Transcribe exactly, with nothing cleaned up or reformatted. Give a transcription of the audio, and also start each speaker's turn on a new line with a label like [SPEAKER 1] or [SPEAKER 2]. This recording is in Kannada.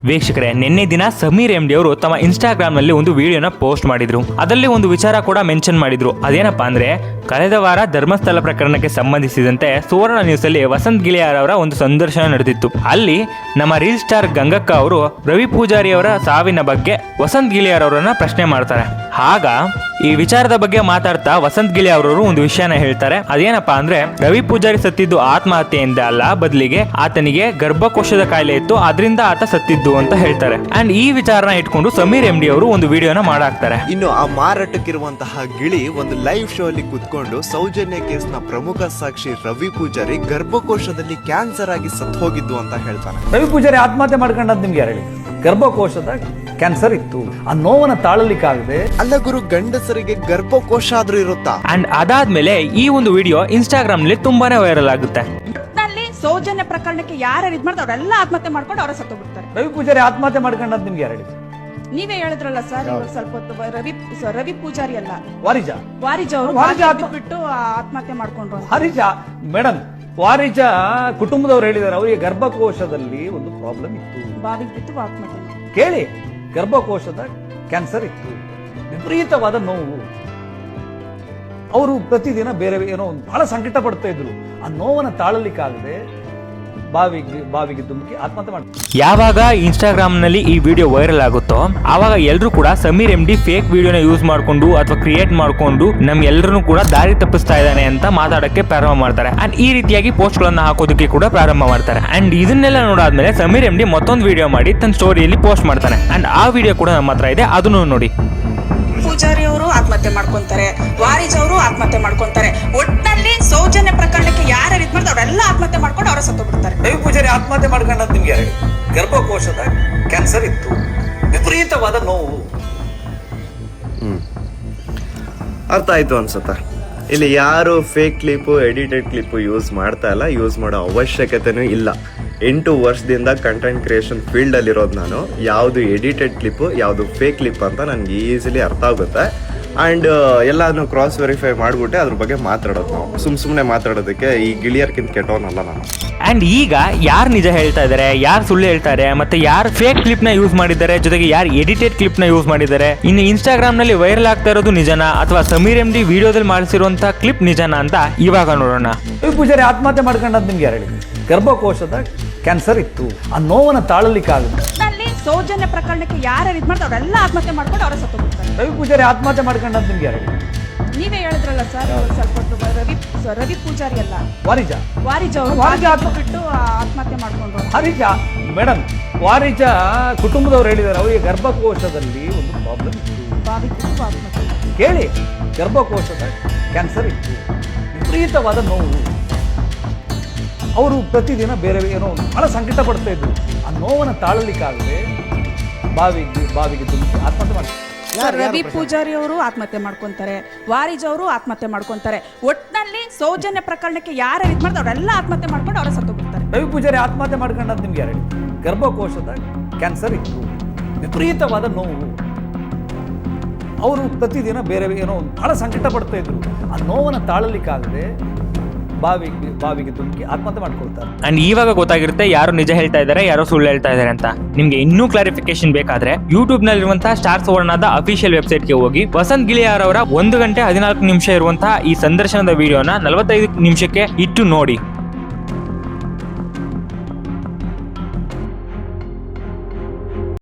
[SPEAKER 1] ವೀಕ್ಷಕರೇ, ನಿನ್ನೆ ದಿನ ಸಮೀರ್ ಎಂ ಡಿ ಅವರು ತಮ್ಮ ಇನ್ಸ್ಟಾಗ್ರಾಮ್ ನಲ್ಲಿ ಒಂದು ವಿಡಿಯೋನ ಪೋಸ್ಟ್ ಮಾಡಿದ್ರು. ಅದರಲ್ಲಿ ಒಂದು ವಿಚಾರ ಕೂಡ ಮೆನ್ಷನ್ ಮಾಡಿದ್ರು. ಅದೇನಪ್ಪಾ ಅಂದ್ರೆ, ಕಳೆದ ವಾರ ಧರ್ಮಸ್ಥಳ ಪ್ರಕರಣಕ್ಕೆ ಸಂಬಂಧಿಸಿದಂತೆ ಸುವರ್ಣ ನ್ಯೂಸ್ ಅಲ್ಲಿ ವಸಂತ್ ಗಿಳಿಯಾರ್ ಅವರ ಒಂದು ಸಂದರ್ಶನ ನಡೆದಿತ್ತು. ಅಲ್ಲಿ ನಮ್ಮ ರೀಲ್ ಸ್ಟಾರ್ ಗಂಗಕ್ಕ ಅವರು ರವಿ ಪೂಜಾರಿ ಅವರ ಸಾವಿನ ಬಗ್ಗೆ ವಸಂತ್ ಗಿಳಿಯಾರ್ ಅವರನ್ನ ಪ್ರಶ್ನೆ ಮಾಡ್ತಾರೆ. ಆಗ ಈ ವಿಚಾರದ ಬಗ್ಗೆ ಮಾತಾಡ್ತಾ ವಸಂತ್ ಗಿಳಿಯಾರ್ ಅವರು ಒಂದು ವಿಷಯನ ಹೇಳ್ತಾರೆ. ಅದೇನಪ್ಪಾ ಅಂದ್ರೆ, ರವಿ ಪೂಜಾರಿ ಸತ್ತಿದ್ದು ಆತ್ಮಹತ್ಯೆಯಿಂದ ಅಲ್ಲ, ಬದಲಿಗೆ ಆತನಿಗೆ ಗರ್ಭಕೋಶದ ಕಾಯಿಲೆ ಇತ್ತು, ಅದರಿಂದ ಆತ ಸತ್ತಿದ್ದು ಅಂತ ಹೇಳ್ತಾರೆ. ಅಂಡ್ ಈ ವಿಚಾರನ ಇಟ್ಕೊಂಡು ಸಮೀರ್ ಎಂ ಡಿ ಅವರು ಒಂದು ವಿಡಿಯೋನ ಮಾಡಾಕ್ತಾರೆ.
[SPEAKER 2] ಇನ್ನು ಆ ಮಾರಾಟಕ್ಕಿರುವಂತಹ ಗಿಳಿ ಒಂದು ಲೈವ್ ಶೋ ಅಲ್ಲಿ ಕುತ್ಕೊಂಡು ಸೌಜನ್ಯ ಕೇಸ್ ನ ಪ್ರಮುಖ ಸಾಕ್ಷಿ ರವಿ ಪೂಜಾರಿ ಗರ್ಭಕೋಶದಲ್ಲಿ ಕ್ಯಾನ್ಸರ್ ಆಗಿ ಸತ್ತು ಹೋಗಿದ್ದು ಅಂತ ಹೇಳ್ತಾನೆ.
[SPEAKER 3] ರವಿ ಪೂಜಾರಿ ಆತ್ಮಹತ್ಯೆ ಮಾಡ್ಕೊಂಡಂತ ನಿಮ್ಗೆ ಯಾರು ಹೇಳಿ? ಗರ್ಭಕೋಶದ ಕ್ಯಾನ್ಸರ್ ಇತ್ತು, ಆ ನೋವನ್ನ ತಾಳಲಿಕ್ಕಾಗದೆ.
[SPEAKER 2] ಅಲ್ಲ ಗುರು, ಗಂಡಸರಿಗೆ ಗರ್ಭಕೋಶ ಆದ್ರೂ ಇರುತ್ತಾ?
[SPEAKER 1] ಅಂಡ್ ಅದಾದ್ಮೇಲೆ ಈ ಒಂದು ವಿಡಿಯೋ ಇನ್ಸ್ಟಾಗ್ರಾಮ್ ನಲ್ಲಿ ತುಂಬಾನೇ ವೈರಲ್ ಆಗುತ್ತೆ.
[SPEAKER 4] ಸೌಜನ್ಯ ಪ್ರಕರಣಕ್ಕೆ ಯಾರು ಇದ್ ಮಾಡ್ತಾರೆ ಅವರೆಲ್ಲ ಆತ್ಮಹತ್ಯೆ ಮಾಡ್ಕೊಂಡು ಅವರ ಸತ್ತು ಬಿಡ್ತಾರೆ.
[SPEAKER 3] ರವಿ ಪೂಜಾರಿ ಆತ್ಮಹತ್ಯೆ ಮಾಡ್ಕೊಂಡಂತ ನಿಮ್ಗೆ ಯಾರು ಹೇಳಿ?
[SPEAKER 4] ನೀವೇ ಹೇಳಿದ್ರಲ್ಲ ಸರ್, ಇವಾಗ ಸ್ವಲ್ಪ ಹೊತ್ತು ರವಿ ರವಿ ಪೂಜಾರಿ ಅಲ್ಲ,
[SPEAKER 3] ವಾರಿಜ
[SPEAKER 4] ವಾರಿಜ ಅವರು
[SPEAKER 3] ವಾರಿಜ
[SPEAKER 4] ಬಿಟ್ಟು ಆತ್ಮಹತ್ಯೆ ಮಾಡ್ಕೊಂಡ್ರು.
[SPEAKER 3] ವಾರಿಜ ಮೇಡಮ್, ವಾರಿಜ ಕುಟುಂಬದವ್ರು ಹೇಳಿದಾರೆ ಅವರಿಗೆ ಗರ್ಭಕೋಶದಲ್ಲಿ ಒಂದು ಪ್ರಾಬ್ಲಮ್ ಇತ್ತು,
[SPEAKER 4] ಬಾವಿಗೆ ಬಿಟ್ಟು ಆತ್ಮಹತ್ಯೆ ಮಾಡಿ.
[SPEAKER 3] ಕೇಳಿ, ಗರ್ಭಕೋಶದ ಕ್ಯಾನ್ಸರ್ ಇತ್ತು, ವಿಪರೀತವಾದ ನೋವು. ಅವರು ಪ್ರತಿದಿನ ಬೇರೆ ಏನೋ ಒಂದು ಬಹಳ ಸಂಕಟ ಪಡ್ತಾ ಇದ್ರು. ಆ ನೋವನ್ನ ತಾಳಲಿಕ್ಕಾಗದೆ ಬಾವಿಗೆ ಬಾವಿಗೆ ಧುಮುಕಿ ಆತ್ಮಹತ್ಯೆ ಮಾಡ್ತಾರೆ.
[SPEAKER 1] ಯಾವಾಗ ಇನ್ಸ್ಟಾಗ್ರಾಮ್ ನಲ್ಲಿ ಈ ವಿಡಿಯೋ ವೈರಲ್ ಆಗುತ್ತೋ ಆವಾಗ ಎಲ್ಲರೂ ಕೂಡ ಸಮೀರ್ ಎಂ ಡಿ ಫೇಕ್ ವಿಡಿಯೋನ ಯೂಸ್ ಮಾಡ್ಕೊಂಡು ಅಥವಾ ಕ್ರಿಯೇಟ್ ಮಾಡ್ಕೊಂಡು ನಮ್ ಎಲ್ಲರನ್ನು ಕೂಡ ದಾರಿ ತಪ್ಪಿಸ್ತಾ ಇದ್ದಾನೆ ಅಂತ ಮಾತಾಡಕ್ಕೆ ಪ್ರಾರಂಭ ಮಾಡ್ತಾರೆ. ಅಂಡ್ ಈ ರೀತಿಯಾಗಿ ಪೋಸ್ಟ್ ಗಳನ್ನ ಹಾಕೋದಕ್ಕೆ ಕೂಡ ಪ್ರಾರಂಭ ಮಾಡ್ತಾರೆ. ಅಂಡ್ ಇದನ್ನೆಲ್ಲ ನೋಡಾದ್ಮೇಲೆ ಸಮೀರ್ ಎಂ ಡಿ ಮತ್ತೊಂದು ವಿಡಿಯೋ ಮಾಡಿ ತನ್ನ ಸ್ಟೋರಿಯಲ್ಲಿ ಪೋಸ್ಟ್ ಮಾಡ್ತಾನೆ. ಅಂಡ್ ಆ ವಿಡಿಯೋ ಕೂಡ ನಮ್ಮ ಹತ್ರ ಇದೆ, ಅದನ್ನು ನೋಡಿ.
[SPEAKER 4] ಪೂಜಾರಿ ಅವರು ಆತ್ಮಹತ್ಯೆ ಮಾಡ್ಕೊಂತಾರೆ, ವಾರಿಜ್ ಅವರು ಆತ್ಮಹತ್ಯೆ ಮಾಡ್ಕೊಂತಾರೆ. ಒಟ್ಟಿನಲ್ಲಿ ಸೌಜನ್ಯ ಪ್ರಕರಣಕ್ಕೆ ಯಾರು ಇದ್ ಮಾಡ್ತಾರೆ ಅವರೆಲ್ಲ ಆತ್ಮಹತ್ಯೆ ಮಾಡ್ಕೊಂಡು ಅವರ ಸತ್ತು ಬಿಡ್ತಾರೆ.
[SPEAKER 3] ರವಿ ಪೂಜಾರಿ ಆತ್ಮಹತ್ಯೆ ಮಾಡ್ಕೊಂಡಂತ ನಿಮ್ಗೆ ಯಾರು ಹೇಳಿ? ಗರ್ಭಕೋಶದ ಕ್ಯಾನ್ಸರ್ ಇತ್ತು, ವಿಪರೀತವಾದ ನೋವು.
[SPEAKER 2] ಹ್ಮ್ ಅರ್ಥ ಆಯ್ತು ಅನ್ಸುತ್ತಾ? ಇಲ್ಲಿ ಯಾರು fake clip edited clip use ಮಾಡ್ತಾ ಇಲ್ಲ, ಯೂಸ್ ಮಾಡೋ ಅವಶ್ಯಕತೆನೂ ಇಲ್ಲ. ಎಂಟು ವರ್ಷದಿಂದ ಕಂಟೆಂಟ್ ಕ್ರಿಯೇಷನ್ ಫೀಲ್ಡ್ ಅಲ್ಲಿ ಇರೋದು ನಾನು. ಯಾವುದು ಎಡಿಟೆಡ್ ಕ್ಲಿಪ್ಪು, ಯಾವುದು ಫೇಕ್ ಕ್ಲಿಪ್ ಅಂತ ನನಗೆ ಈಸಿಲಿ ಅರ್ಥ ಆಗುತ್ತೆ. ಆ್ಯಂಡ್ ಎಲ್ಲಾನು ಕ್ರಾಸ್ ವೆರಿಫೈ ಮಾಡಿಬಿಟ್ಟೆ ಅದ್ರ ಬಗ್ಗೆ ಮಾತಾಡೋದು. ನಾವು ಸುಮ್ ಸುಮ್ಮನೆ ಮಾತಾಡೋದಕ್ಕೆ ಈ ಗಿಳಿಯರ್ಕಿಂತ ಕೆಟ್ಟವನಲ್ಲ ನಾನು.
[SPEAKER 1] ಅಂಡ್ ಈಗ ಯಾರು ನಿಜ ಹೇಳ್ತಾ ಇದ್ದಾರೆ, ಯಾರು ಸುಳ್ಳು ಹೇಳ್ತಾರೆ, ಮತ್ತೆ ಯಾರು ಫೇಕ್ ಕ್ಲಿಪ್ ನ ಯೂಸ್ ಮಾಡಿದ್ದಾರೆ, ಜೊತೆಗೆ ಯಾರು ಎಡಿಟೆಡ್ ಕ್ಲಿಪ್ ನ ಯೂಸ್ ಮಾಡಿದ್ದಾರೆ, ಇನ್ನು ಇನ್ಸ್ಟಾಗ್ರಾಮ್ ನಲ್ಲಿ ವೈರಲ್ ಆಗ್ತಾ ಇರೋದು ನಿಜನಾ ಅಥವಾ ಸಮೀರ್ ಎಂ ಡಿ ವಿಡಿಯೋದಲ್ಲಿ ಮಾಡಿಸಿರುವಂತಹ ಕ್ಲಿಪ್ ನಿಜನಾ ಅಂತ ಇವಾಗ ನೋಡೋಣ.
[SPEAKER 3] ರವಿ ಪೂಜಾರಿ ಆತ್ಮಹತ್ಯೆ ಮಾಡ್ಕೊಂಡಂತ ನಿಮ್ಗೆ ಯಾರು ಹೇಳಿ? ಗರ್ಭಕೋಶದ ಕ್ಯಾನ್ಸರ್ ಇತ್ತು, ಆ ನೋವನ್ನ ತಾಳಲಿಕ್ಕಾಗದೆ.
[SPEAKER 4] ಸೌಜನ್ಯ ಪ್ರಕರಣಕ್ಕೆ ಯಾರು ಇದ್ ಮಾಡ್ತಾರೆ ಅವರೆಲ್ಲ ಆತ್ಮಹತ್ಯೆ ಮಾಡ್ಕೊಂಡು ಅವರ ಸತ್ತು ಬಿಡ್ತಾರೆ.
[SPEAKER 3] ರವಿ ಪೂಜಾರಿ ಆತ್ಮಹತ್ಯೆ ಮಾಡ್ಕೊಂಡಂತ ನಿಮ್ಗೆ ಯಾರು ಹೇಳಿ?
[SPEAKER 4] ನೀವೇ ಹೇಳಿದ್ರಲ್ಲ ಸರ್, ಇವಾಗ ಸ್ವಲ್ಪ ಹೊತ್ತು ರವಿ ರವಿ ಪೂಜಾರಿ ಅಲ್ಲ,
[SPEAKER 3] ವಾರಿಜ
[SPEAKER 4] ವಾರಿಜ್ ಅವರು
[SPEAKER 3] ವಾರಿಜ
[SPEAKER 4] ಬಿಟ್ಟು ಆತ್ಮಹತ್ಯೆ ಮಾಡ್ಕೊಂಡ್ರು.
[SPEAKER 3] ವಾರಿಜ ಮೇಡಮ್, ವಾರಿಜ ಕುಟುಂಬದವ್ರು ಹೇಳಿದಾರೆ ಅವರಿಗೆ ಗರ್ಭಕೋಶದಲ್ಲಿ ಒಂದು ಪ್ರಾಬ್ಲಮ್ ಇತ್ತು,
[SPEAKER 4] ಬಾವಿಗೆ ಬಿಟ್ಟು ಆತ್ಮಹತ್ಯೆ ಮಾಡಿ.
[SPEAKER 3] ಕೇಳಿ, ಗರ್ಭಕೋಶದ ಕ್ಯಾನ್ಸರ್ ಇತ್ತು, ವಿಪರೀತವಾದ ನೋವು. ಅವರು ಪ್ರತಿದಿನ ಬೇರೆ ಏನೋ ಒಂದು ಬಹಳ ಸಂಕಟ ಪಡ್ತಾ ಇದ್ರು. ಆ ನೋವನ್ನ ತಾಳಲಿಕ್ಕಾಗದೆ ಬಾವಿಗೆ ಬಾವಿಗೆ ಧುಮುಕಿ ಆತ್ಮಹತ್ಯೆ ಮಾಡ್ತಾರೆ.
[SPEAKER 4] ರವಿ ಪೂಜಾರಿ ಅವರು ಆತ್ಮಹತ್ಯೆ ಮಾಡ್ಕೊಂತಾರೆ, ವಾರಿಜ್ ಅವರು ಆತ್ಮಹತ್ಯೆ ಮಾಡ್ಕೊಂತಾರೆ. ಒಟ್ಟಿನಲ್ಲಿ ಸೌಜನ್ಯ ಪ್ರಕರಣಕ್ಕೆ ಯಾರು ಇದ್ ಮಾಡ್ತಾರೆ ಅವರೆಲ್ಲ ಆತ್ಮಹತ್ಯೆ ಮಾಡ್ಕೊಂಡು ಅವರ ಸತ್ತು ಬಿಡ್ತಾರೆ.
[SPEAKER 3] ರವಿ ಪೂಜಾರಿ ಆತ್ಮಹತ್ಯೆ ಮಾಡ್ಕೊಂಡಂತ ನಿಮ್ಗೆ ಯಾರು ಹೇಳಿ? ಗರ್ಭಕೋಶದ ಕ್ಯಾನ್ಸರ್ ಇತ್ತು, ವಿಪರೀತವಾದ ನೋವು. ಅವರು ಪ್ರತಿದಿನ ಬೇರೆ ಏನೋ ಒಂದು ಬಹಳ ಸಂಕಟ ಪಡ್ತಾ ಇದ್ರು. ಆ ನೋವನ್ನ ತಾಳಲಿಕ್ಕಾಗದೆ ಬಾವಿಗೆ ಬಾವಿಗೆ ಧುಮುಕಿ ಆತ್ಮಹತ್ಯೆ ಮಾಡ್ಕೊಳ್ತಾರೆ.
[SPEAKER 1] ಅಂಡ್ ಇವಾಗ ಗೊತ್ತಾಗಿರುತ್ತೆ ಯಾರು ನಿಜ ಹೇಳ್ತಾ ಇದ್ದಾರೆ, ಯಾರೋ ಸುಳ್ಳು ಹೇಳ್ತಾ ಇದ್ದಾರೆ ಅಂತ. ನಿಮ್ಗೆ ಇನ್ನೂ ಕ್ಲಾರಿಫಿಕೇಶನ್ ಬೇಕಾದ್ರೆ ಯೂಟ್ಯೂಬ್ ನಲ್ಲಿರುವಂತಹ ಸ್ಟಾರ್ ಸುವರ್ಣದ ಅಫಿಷಿಯಲ್ ವೆಬ್ಸೈಟ್ ಗೆ ಹೋಗಿ ವಸಂತ್ ಗಿಳಿಯಾರ್ ಅವರ ಒಂದು ಗಂಟೆ ಹದಿನಾಲ್ಕು ನಿಮಿಷ ಇರುವಂತಹ ಈ ಸಂದರ್ಶನದ ವಿಡಿಯೋನ ನಲವತ್ತೈದು ನಿಮಿಷಕ್ಕೆ ಇಟ್ಟು ನೋಡಿ.